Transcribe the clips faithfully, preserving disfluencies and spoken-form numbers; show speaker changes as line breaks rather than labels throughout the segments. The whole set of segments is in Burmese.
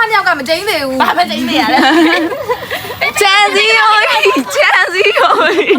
နှစ်ယောက်ကမကျင်းသေးဘူးဘာမကျင်းသေးရလဲ
ချမ်းစီရောချမ်းစီရော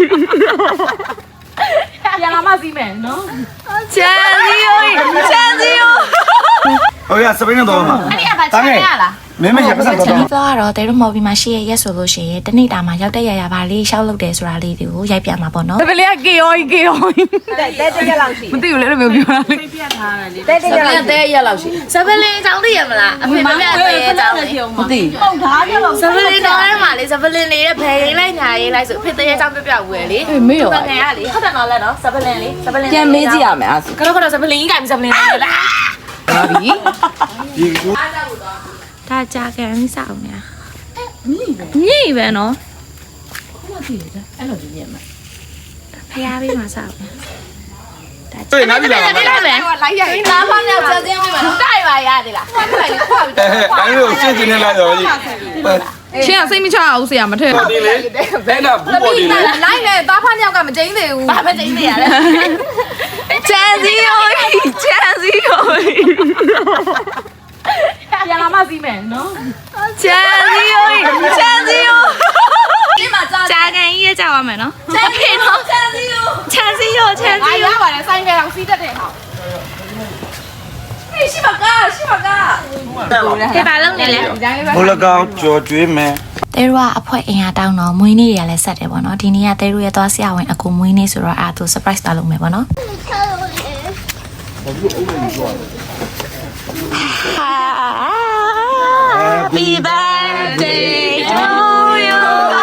ရလာမစီးမယ်နော်
ချမ်းစီရောချမ်းစီရော
ဟုတ်ရစပိန်တော့မှာ
အဲ့ဒီအပါချမ်းရလား
မင်းမရပတ်စံတော့
ဒီတော့တော့တဲတို့မော်ဘီမှာရှိရရက်ဆိုလို့ရှိရင်တနေ့တာမှာရောက်တဲ့ရရပါလေးရှောက်လုပ်တယ်ဆိုတာလေးတွေကိုရိုက်ပြမှာပေါ့နော်
ပလေးကကေယောကေယောတဲ့တဲ့ရက်လောက်ရှိမသိဘူးလေလိုမျိုးပြောတာလေပြတ်ထားတယ်လေတဲ့တဲ့ရက်တဲ့ရက်လောက်ရှိ
စပလင်းချောင်းသိရမလားအဖေမပြတ်တဲ့ချောင်းလေး
မသိပုတ်ထားကြလို့
စပလင်းတော့အဲ့မှာလေစပလင်းလေးရဲ့ဘယ်ရင်လိုက်ညာရေးလိုက်ဆိုအဖေတဲ့ချောင်းပြပြဝယ်လေ
မေးရော
ငယ်ရလေဟုတ်တယ်နော်လက်နော်စပလင်းလေးစပလင်း
ပြန်မေးကြည့်ရမယ်အဲ့
ကတော့ကတော့စပလင်းကြီးကင်စပလင်းလေးလား
ဟာပြီ
ဒီကူ
ဒါကြာကန်စောင်းနေညိပဲနော်
ခုမှကြည့်ရတယ်အဲ့လိုကြည့်ရမှာ
ဖျားပေးမှာစောင်း
ဒါဟေးနားပြီလား
လိုက်ရမယ်လိုက်ရရင်သားဖောင်းရောက်ချက်ချင်းပြီးမှာတိုက်ပါရသေးလားဟုတ်တယ်လေခွာပြီး
တော့အဲ့လိုရှင်းရှင်းနဲ့လိုက်တော့ကြီး
ချင်းကစိတ်မချအောင်ဆရာမထည့်
ဘူးဒီလေဘယ်နာဘူးပေါ်ဒီလေ
လိုက်လေသားဖောင်းယောက်ကမကျင်းသေးဘူး
ဘာမကျင်းသေးရလဲချမ်းစီရောချမ်းစီရော
ရလာမစီးမယ်နော်
ချမ်းစီရောချမ်းစီရောဒီမှာကြာကန်ကြီးရကြပါမယ်နော်ချမ်းစီရောချမ်းစီရောချမ်းစီရောချမ်းစီရော
ရပါတယ်ဆိုင်ကအောင်စီးတတ်တယ်ဟော
ဟေးရှိပါကရှိပါကဒီပါလုံးနေလေ
ဘလကောင်ကြော်ကျွေးမယ်
တဲရကအဖွဲအင်အားတောင်းတော့မွေးနေ့ရလည်းဆက်တယ်ပေါ့နော်ဒီနေ့ကတဲရရဲ့သွားဆရာဝန်အကူမွေးနေ့ဆိုတော့အာသူ surprise တာလုပ်မယ်ပေါ့နော်Happy birthday to you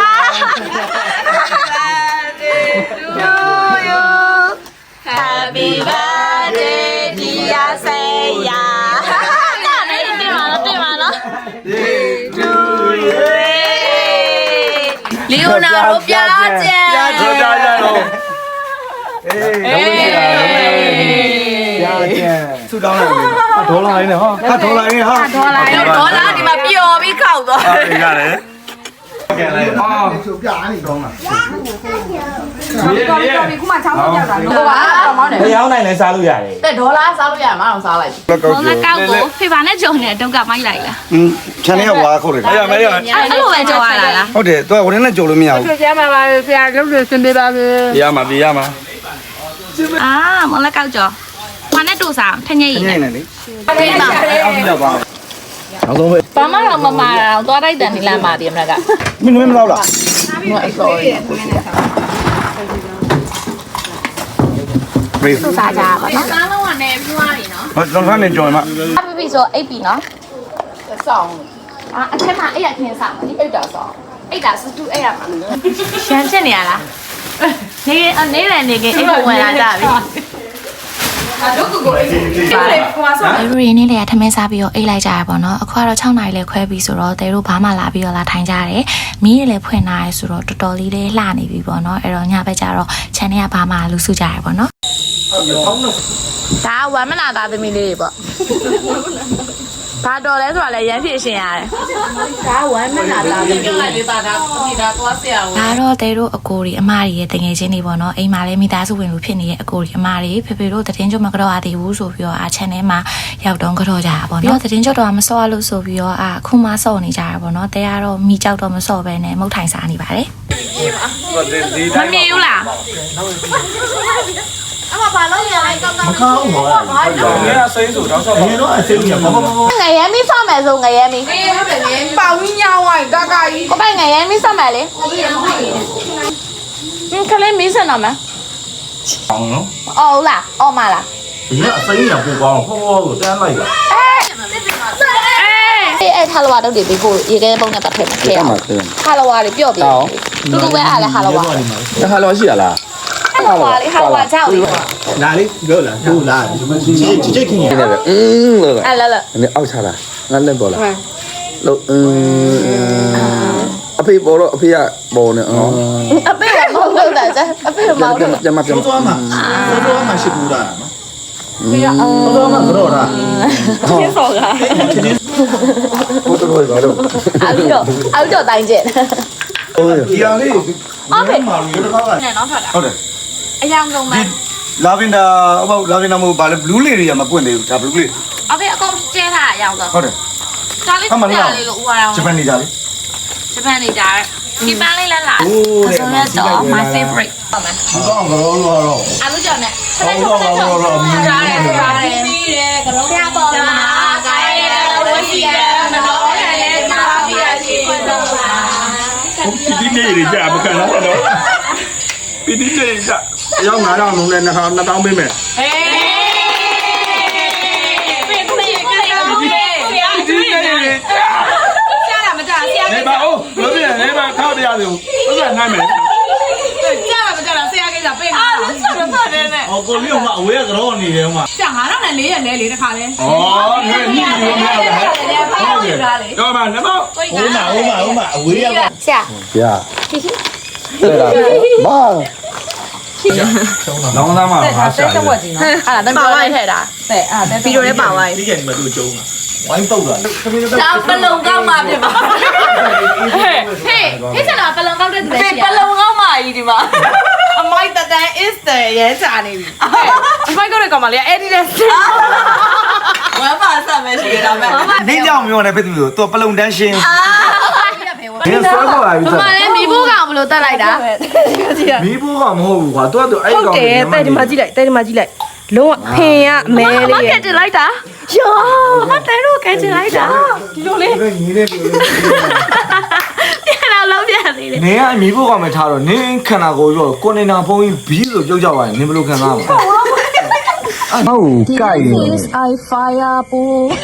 Happy birthday dear Saya နားနေတင်ပါတော့တင်ပါနော် to you လီယိုနာရိုပြာကျန်
ပြာကျန်ကြတော့အေးပြာကျန်ဆူတောင်းလိုက်ဒေါ်လာရင်းနဲ့ဟာဟာဒေါ်လာရင်းဟာ
ဒေါ်လာရင်းဒေါ်လာဒီမှာပျော်ပြီးခောက်သွား
ဟုတ်ကဲ့ကဲလိုက်ဟာဆူပြားနေတော့မှာ
တော်တော်ပြီခုမှချောင်းပြတာလို့ပါတော့မောင်းတယ်
မရောင်းနိုင်လဲစားလို့ရတယ်
တဲ့ဒေါ်လာစားလို့ရမှာအောင်စားလိုက်
ဒေါ်လာကောက်ကိုဖေပါနဲ့ကြုံနေတုတ်ကမိုက်လိုက်လား
อืมခြံထဲကဝါခုတ်တယ်မရမရ
အဲ့လိုပဲကြော်ရတာလား
ဟုတ်တယ်သူကဝင်နဲ့ကြော်လို့မရဘူး
ဆရာမပါဆရာလုပ်လို့စင်ပေးပါစေ
ရမှာပြရမှာ
အာမောင်လက်ကောက်ကြော်ဘာနဲ့တူစားထညိတ်
နေနေလေ
အေးပါ
အောင်ပြပါနောက်ဆုံးပဲ
ဘာမှတော့မမာတော့သွားတိုက်တယ်နေလားမာတယ်မလားက
မင်းမင်းမလောက်လား
မအဲ့ဆိုရင်
ပြေး
တူစားကြပါနော်
စားလုံးကနေပြွားနေနော်
ဟုတ်တော့ကနေကြော်မှာ
အပပီဆိုအိပ်ပြီနော်
ဆောင်း
အာအထက်မှာအိပ်ရခင်းစားမဒီ
အိတ်တာဆောင်း
အိပ်တာစတူအိပ်ရမှာရှမ်းချက်နေရလားနေနေရနေကအိပ်ဖို့ဝင်လာကြပြီ
တို့ကိုကိုအေးလေကွာဆောင်း
အဲလိုရင်းနေလေထမင်းစားပြီးတော့အိတ်လိုက်ကြရပါတော့အခုကတော့6နာရီလဲခွဲပြီးဆိုတော့တဲတို့ဘာမှလာပြီးတော့လာထိုင်ကြတယ်မီးတွေလည်းဖွင့်လာရဲဆိုတော့တော်တော်လေးလေးလှနေပြီပေါ့နော်အဲ့တော့ညဘက်ကျတော့ channel ကဘာမှလူစုကြရပေါ့နော်ဒါဝမ်းမနာသားသမီးလေးတွေပေါ့ဘာတော်လဲဆိုတာလည်းရမ်းဖြစ်ရှင်ရတယ်
ဒါဝမ်းမနာတာပြောလိုက်လေးတာဒါဒီဒါသွားဆရာ
ဝန်ဒါတော့တဲတို့အကိုတွေအမတွေရဲ့တငယ်ချင်းတွေပေါ့နော်အိမ်မှာလည်းမိသားစုဝင်လို့ဖြစ်နေတဲ့အကိုတွေအမတွေဖေဖေတို့သတင်းကြွမကတော့အသေးဘူးဆိုပြီးတော့အာ channel မှာရောက်တော့ကတော့ကြတာပေါ့နော်သတင်းကြွတော့မစောရလို့ဆိုပြီးတော့အာအခုမှစောနေကြတာပေါ့နော်တဲကတော့မိကြောက်တော့မစောပဲနဲ့မုတ်ထိုင်စားနေပါတယ်မမြင်ဘူးလားအမဘာလို့ရလိုက်ကောက်ကောက်မ
ကောင်းဘူးဘာလို့လဲအစိမ်းဆိုတော့ဆောက်ပါတော့အစိမ်းရပါ
ငရဲမီးစောက်မယ်ဆိုငရဲမီး
ငရဲပဲငရဲပေါင်းညောင်းဝိုင်းကာကာကြီး
ကိုပိုင်ငရဲမီးစောက်မယ်လေဟင်းခလေးမီးစင်တော့မယ်
အောင်နော်
အော်လားအော်မလား
ဒီကအစိမ်းရပိုကောင်းဟောဟောကိုတန်းလိုက်တာ
အေးအဲ့ဟာလဝါတော့ဒီပြီးဖို့ရေခဲပုံနဲ့ပတ်ထည့်မှာခဲအောင်ဟာလဝါလေးပြော့ပြီးတူတူပဲအားလဲဟာလဝါ
ဟာလောရှိရလား
ဟာဝါလေးဟာဝါကြောက်လေး
လာလေးပြောလားဟုတ်လားကြည့်ကြည့်ခင်နေပဲอืมလို့
အဲ့လာလာ
နည်းအောက်ချလာငါလက်ပေါ်လာလို့อืมအဖေပေါ်တော့အဖေကပေါ်နေအော်
အဖေကမောင်းလို့တာ啫အဖေမောင်း
ပြန်ပြန်ပြန်သွားမှာသွားမှာရှိဘူးလားနော်သွားမှာကတော့လား
ချင်းစော်က
ဘုတ်တော်ရောလို့
အောက်တော့အောက်တော့တိုင်းကျင်
ဒီအောင်လေး
အဖေမာလူတစ်ခါကနဲ့နော်ထွက်တာ
ဟုတ်တယ်
အယောင်ကုန်မယ်
လာဗင်ဒါအပေါ့လာဗင်ဒါမဟုတ်ဘာလဲဘလူးလေးတွေကမပွင့်သေးဘူးဒါဘလူးလေး
အဖေအကုန်ကျဲထားအယောင်တော့
ဟုတ်တယ်
ဒါလေးကြာလေးလို့ဥပါတော့
ဂျပန်နေကြလေ
ဂျပန်နေကြတယ်ဒီပန်းလေးလည်းလာ
โอ้တဲ့
ဆိုရတော့ my favorite ဟုတ်မယ်
ဒီတော့ကတော့လို့တော့
အလူကြောင့်နဲ့
ဟောတော့တော့တော့မြင်နေတယ်
ပြီးတယ်ကတော့ဆရာပေါ်လာခိုင်းရဝစီရမတော်ရရဲ့သာပြရရှိခွင့်တော့ပါ
ဒီနေ့ရကြမကန်လားတော့ဒီနေ့ရကြရောက်ငါတော့လုံးနဲ့နှစ်ထောင်နှစ်တောင်းပေးမယ်
ဟေးပြင်ပြင်ကတော့ဆရာ
ဒီနေ့ရကြ
ဆရာမကြဆရာ
နေပါဦးလို့ပြနေပါထောက်တရားတွေကိုဥစ္စာနိုင်မယ်
ကြာမကြတော့ဆရာကိစ္စပြင်အာလို့ဆက်တော့ပါတယ်နဲ့
ဟောကိုလေးကမှအဝေးကတော့နေတယ်မှာ
ကြာငါတော့လည်းလေးရက်လဲလေတခါလဲ
ဩငါညှိလို့မရဘူးဟုတ်ကဲ့တော့မှနမော
ဟိုမှာဟိုမှာဟိုမှာအဝေးက
ဆရာ
ဗျာတဲ့လားမာလောင်းသားမှာဟာရှာတယ်
အဲ့ဒါတန်ပြောလိုက်ထည့်တာတဲ့အဲ့ဒါဗီဒီယိုလေးပါသွားပြီ
ဒီကနေ့မတို့ကျုံးတာဝိုင်းပုတ်တာ
ဒါပလုံကောက်မှဖြစ်ပါဟေးဟေးဟေးစနာပလုံကောက်တဲ့သူလည်းရှိရပလုံကောက်မှကြီးဒီမှာအမိုက်တတန် is တဲ့ရဲချာနေပြီအမိုက်ကောက်တဲ့ကောင်မလေးအဲ့ဒီလက်ဝမ်းပါဆက်မယ်ရှိရတာပဲ
နေကြောင်မျိုးနဲ့ဖြစ်သူလို့သူပလုံတန်းရှင်းဒီဆွဲခေါ်လာပြီ
မမလည်းမိဖို့ကောင်ဘလို့တက်လိုက်တာ
မီးဖိုးကမဟုတ်ဘူးကွာသူကသူအဲ့ကောင်
တယ်တဲ့ဒီမှာကြည့်လိုက်တဲ့ဒီမှာကြည့်လိုက်လုံးဝဖင်ရအမဲလေး
ကဲတင်လိုက်တာယောမတဲတော့ကဲတင်လိုက်တာဒီလိုလေး
ညီနေပြီ
ပြန်လာလောက်ပြန်သေးတယ်
နေကအမီးဖိုးကမထားတော့နင်းခန္ဓာကိုယ်ရောကိုနေနာဖုံးကြီးဘီးဆိုပြုတ်ကြပါရင်နင်းဘယ်လိုခံစားမှာဟုတ်ကြိုက်နေ
I fire ပူ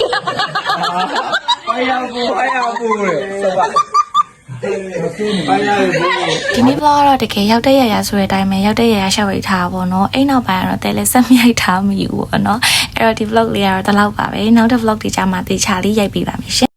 ဖိုင်ယာပူဖိုင်ယာပူလေဆိုပါဖိုင်ယာပူ
ဒီနေ့ vlog ကတော့တကယ်ရောက်တဲ့ရရဆိုတဲ့အတိုင်းပဲရောက်တဲ့ရရရှောက်ရိတ်ထားပါဘောเนาะအဲ့နောက်ပိုင်းကတော့တဲလဲဆက်မြိုက်ထားမိဘူးပေါ့เนาะအဲ့တော့ဒီ vlog လေးကတော့ဒီလောက်ပါပဲနောက်တဲ့ vlog တွေကြမှာတေချာလေးရိုက်ပေးပါမယ်ရှင်